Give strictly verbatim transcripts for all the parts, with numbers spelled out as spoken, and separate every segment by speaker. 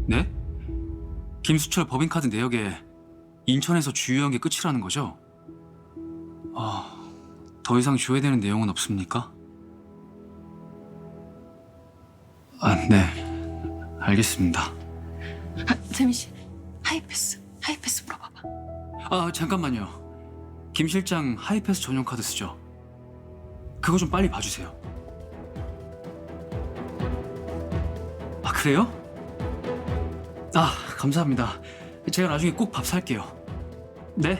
Speaker 1: 네? 김수철 법인카드 내역에 인천에서 주유한 게 끝이라는 거죠? 아, 더 이상 줘야 되는 내용은 없습니까? 아, 네. 알겠습니다.
Speaker 2: 아, 재민 씨, 하이패스, 하이패스 물어봐봐.
Speaker 1: 아, 잠깐만요. 김 실장 하이패스 전용 카드 쓰죠? 그거 좀 빨리 봐주세요. 아, 그래요? 아, 감사합니다. 제가 나중에 꼭 밥 살게요. 네?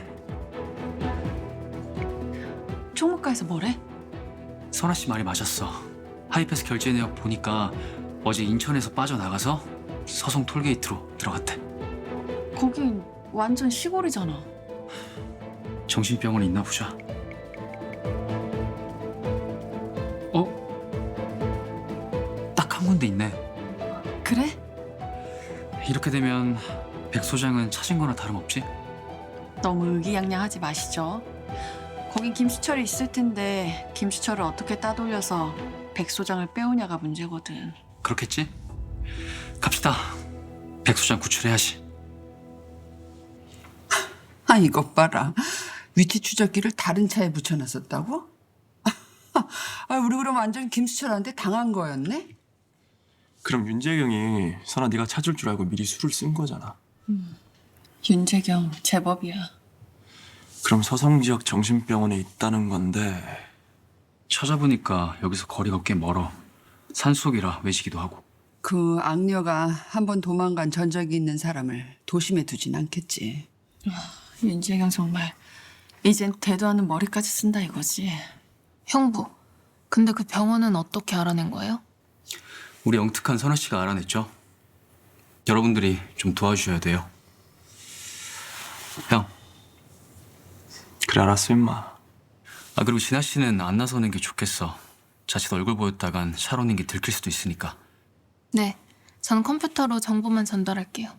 Speaker 2: 총무과에서 뭐래?
Speaker 1: 선아 씨 말이 맞았어. 하이패스 결제 내역 보니까 어제 인천에서 빠져나가서 서성 톨게이트로 들어갔대.
Speaker 2: 거긴 완전 시골이잖아.
Speaker 1: 정신병원 있나 보자. 어? 딱 한 군데 있네.
Speaker 2: 그래?
Speaker 1: 이렇게 되면 백 소장은 찾은 거나 다름없지?
Speaker 2: 너무 의기양양하지 마시죠. 거긴 김수철이 있을 텐데 김수철을 어떻게 따돌려서 백 소장을 빼오냐가 문제거든.
Speaker 1: 그렇겠지? 갑시다. 백 소장 구출해야지.
Speaker 3: 아, 이것 봐라. 위치 추적기를 다른 차에 붙여놨었다고? 아, 우리 그럼 완전 김수철한테 당한 거였네?
Speaker 4: 그럼 윤재경이 선아 네가 찾을 줄 알고 미리 술을 쓴 거잖아.
Speaker 2: 윤재경 제법이야.
Speaker 4: 그럼 서성 지역 정신병원에 있다는 건데
Speaker 1: 찾아보니까 여기서 거리가 꽤 멀어. 산속이라 외지기도 하고.
Speaker 3: 그 악녀가 한 번 도망간 전적이 있는 사람을 도심에 두진 않겠지.
Speaker 2: 윤재경 정말 이젠 대도하는 머리까지 쓴다 이거지.
Speaker 5: 형부, 근데 그 병원은 어떻게 알아낸 거예요?
Speaker 1: 우리 영특한 선아 씨가 알아냈죠. 여러분들이 좀 도와주셔야 돼요. 형.
Speaker 4: 그래 알았어 임마.
Speaker 1: 아, 그리고 진아 씨는 안 나서는 게 좋겠어. 자칫 얼굴 보였다간 샤론인 게 들킬 수도 있으니까.
Speaker 5: 네, 전 컴퓨터로 정보만 전달할게요.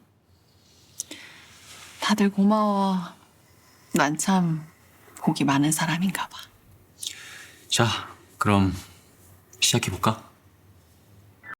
Speaker 2: 다들 고마워. 난 참 복이 많은 사람인가 봐.
Speaker 1: 자, 그럼 시작해볼까?